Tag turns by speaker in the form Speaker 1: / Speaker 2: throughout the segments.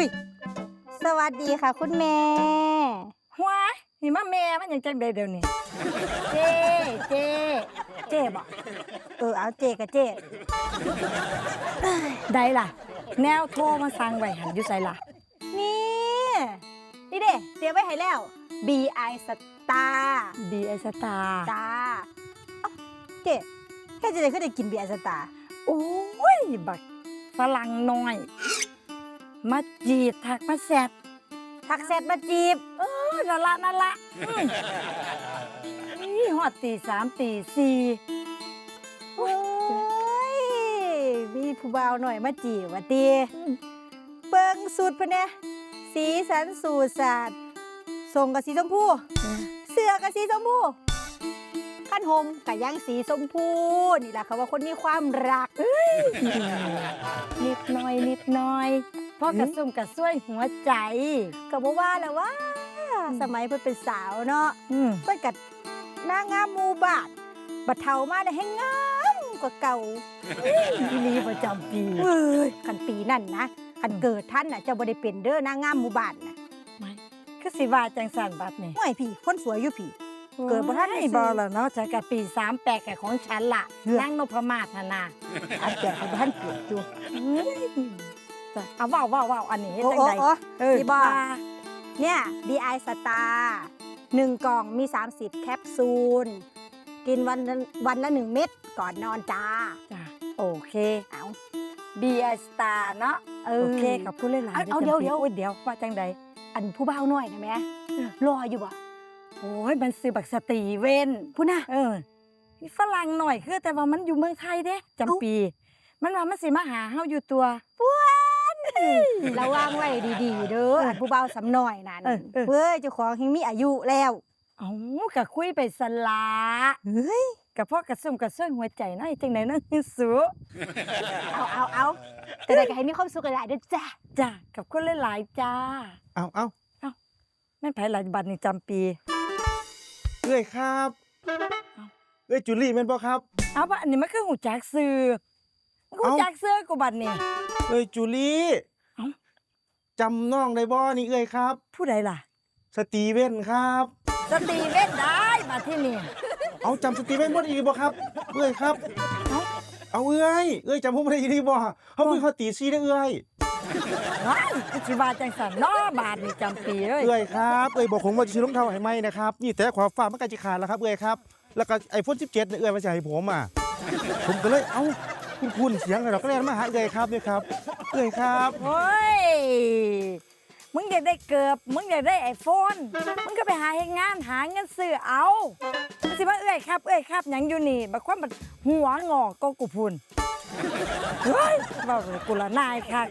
Speaker 1: อุ้ยสวัสดีค่ะคุณแม่
Speaker 2: หัวนี่มาแม่มันยังจังใดเดี๋ยวนี้เจบอก
Speaker 1: เอาเจกับเจ
Speaker 2: ได้ล่ะแนวโทรมาสั่งไว้หันอยู่ไสล่ะ
Speaker 1: นี่เด้เตรียมไว้ให้แล้ว BI Star
Speaker 2: BI Star
Speaker 1: จ้าเจ๊แค่จะได้ขึ้นได้กิน BI Star
Speaker 2: โอ้ยบักฝรั่งน้อยมาจีบทักมาแซด
Speaker 1: ทักแซดมาจีบ
Speaker 2: นั่นละนี่ฮอดตี3ตี4
Speaker 1: โอ้ยมีผู้บ่าวหน่อยมาจีบว่าตีเบิ่งสูตรเพิ่นแน่สีสันสูตรศาสตร์ทรงกับสีชมพูเสื้อกับสีชมพูขั้นห่มกับยังสีชมพูนี่แหละเขาว่าคนมีความรัก
Speaker 2: นิดหน่อยพ่อกระซุ่มกระซวยหัวใจ
Speaker 1: ก็บ่ว่าแล้วว่าสมัยเพิ่นเป็นสาวเนาะเพิ่นก็นางงามหมู่บ้านบัดเฒ่ามาได้ให้งามกว่าเก่า
Speaker 2: อีหลีประจำปี
Speaker 1: คันปีนั่นนะคันเกิดท่านน่ะเจ้าบ่ได้เป็นเด้อนางงามหมู่บ้านน่ะ
Speaker 2: ไม่คือสิว่าจังซั่นบัดนี่
Speaker 1: ห้วยพี่คนสวยอยู่พี่เกิดบ่ทันได้
Speaker 2: บ่ล่ะเนาะจักกับปี38กับของฉันล่ะนางนพมาศน่ะนะ
Speaker 1: อันแก่บ่ทันเกิดอยู่
Speaker 2: จ้ะเอาเว้าอันนี้จังได๋
Speaker 1: สิบ่เนี่ย BI Star 1 กล่องมี30แคปซูลกินวันละ1 เม็ดก่อนนอนจ้า
Speaker 2: โอเคเอา BI Star เนาะโอเคกับผู้หลายๆ
Speaker 1: เอาเดี๋ยว
Speaker 2: ว่าจังใด
Speaker 1: อันผู้บ่าวน้อยนะแม่รออยู่บ่
Speaker 2: โอ้ยมันซื้อบักสตีเว่น
Speaker 1: ผู้น่ะ
Speaker 2: ฝรั่งหน่อยคือแต่ว่ามันอยู่เมืองไทยเด้จำปีมันว่ามันสิมาหาเฮาอยู่ตัว
Speaker 1: ป้วนระวังไว้ดีๆเด้ออันผู้บ่าวสำน้อยนั่นเว้ยเจ้าของยังมีอายุแล้ว
Speaker 2: เอ้าก็คุยไปสลากับพ่อกระซุ่มกระซวยหัวใจน้อยจังได๋น้อยสุ
Speaker 1: เอาแต่ได้ก็ให้มีความสุขหลายๆเด้อ
Speaker 2: จ้ากับคนหลายๆจ้า
Speaker 3: เอา
Speaker 2: แม่นไผหลายบัดนี่จำปี
Speaker 3: เอ้ยครับเอ้ยจุลี่แม่นบ่ครับ
Speaker 2: เอาบัดนี้มันคือหูจักซื่อหูจักซื่อกูบัดนี่
Speaker 3: เอ้ยจุลี่จำน้องได้บ่นี่เอ้ยครับ
Speaker 2: ผู้ใดล่ะ
Speaker 3: สตีเว่นครับ
Speaker 2: สตีเว่นได้บัดที่นี่
Speaker 3: เอาจำสตีเว่นบ่ได้บ่ครับเอ้ยครับเอาเอ้ยจำผมบ่ได้อีหลีบ่เฮาคุยเฮาตี4เด้อเอ้ย
Speaker 2: ว้ายสิว่าจังซั่นเนาะบาดนี่จำปีเอ้ย
Speaker 3: ครับบอกผมว่าจะซื้อรองเท้าให้ใหม่นะครับนี่แต่ขวาฟ้ามันใกล้จะขาดแล้วครับครับแล้วก็ iPhone 17เนี่ยมาจะให้ผมผมก็เลยคุณเสียงเราก็เลยมาหาครับเนี่ยครับครับ
Speaker 2: โอ้ยมึงอยากได้เกือบมึงอยากได้ iPhone มึงก็ไปหาเฮ็ดงานหาเงินซื้อเอาสิว่าครับหยังอยู่นี่บักความบัดหัวงอกก็กูพุ่นเฮ้ยว่ากูละนายคัก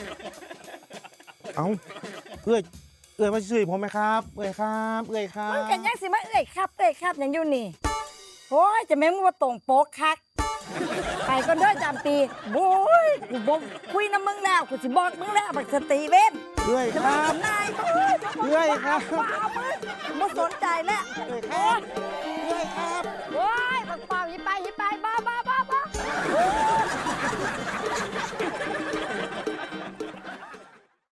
Speaker 3: เอามาซื้อผมไหมครับครับ
Speaker 2: มึงกันยังสิมาครับหยังอยู่นี่โอ้ยจะแม่งว่าตรงโป๊กคักไปก่อนเด้อจำปีโอ้ยกูบอกคุยน้ำมึงแล้วกูสิบอกมึงแล้วบักสตีเว่น
Speaker 3: ครับ
Speaker 2: นาย
Speaker 3: ครับ
Speaker 2: ว้าวมึงไม่สนใจแล้ว
Speaker 3: ครับ
Speaker 2: โอ้ยบักเป่ายิบไป